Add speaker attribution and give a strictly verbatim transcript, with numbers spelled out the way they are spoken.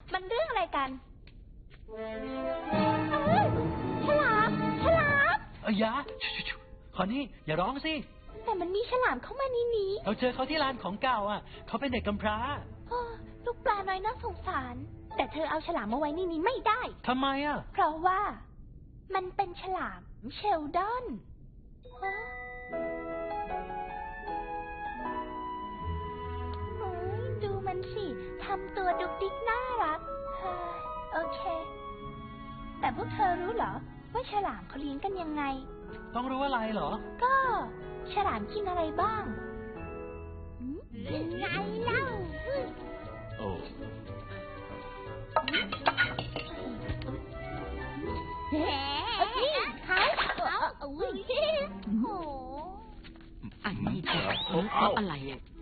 Speaker 1: มันเรื่องอะไรกันฉลามฉลาม
Speaker 2: เอ้ยอย่าขอนี่อย่าร้องสิ
Speaker 1: แต่มันมีฉลามเข้ามานี่นี้
Speaker 2: เราเจอเขาที่ร้านของเก่าอ่ะเขาเป็นเด็กกำพร้า
Speaker 1: ลูกปลาน้อยน่าสงสารแต่เธอเอาฉลามมาไว้นี่นี้ไม่ได้
Speaker 2: ทำไมอ่ะ
Speaker 1: เพราะว่ามันเป็นฉลามเชลดอนดูมันสิทำตัวดุกดิกน่ารักโอเคแต่พวกเธอรู้เหรอว่าฉลามเขาเลี้ยงกันยังไง
Speaker 2: ต้องรู้อะไรเหรอ
Speaker 1: ก็ฉลามกินอะไรบ้างยังไงเล่า
Speaker 2: โอ้
Speaker 1: เฮ้ยเขาเขาอุ้ยโอ้
Speaker 3: อันนี้เธอเพราะอะไรอ่ะ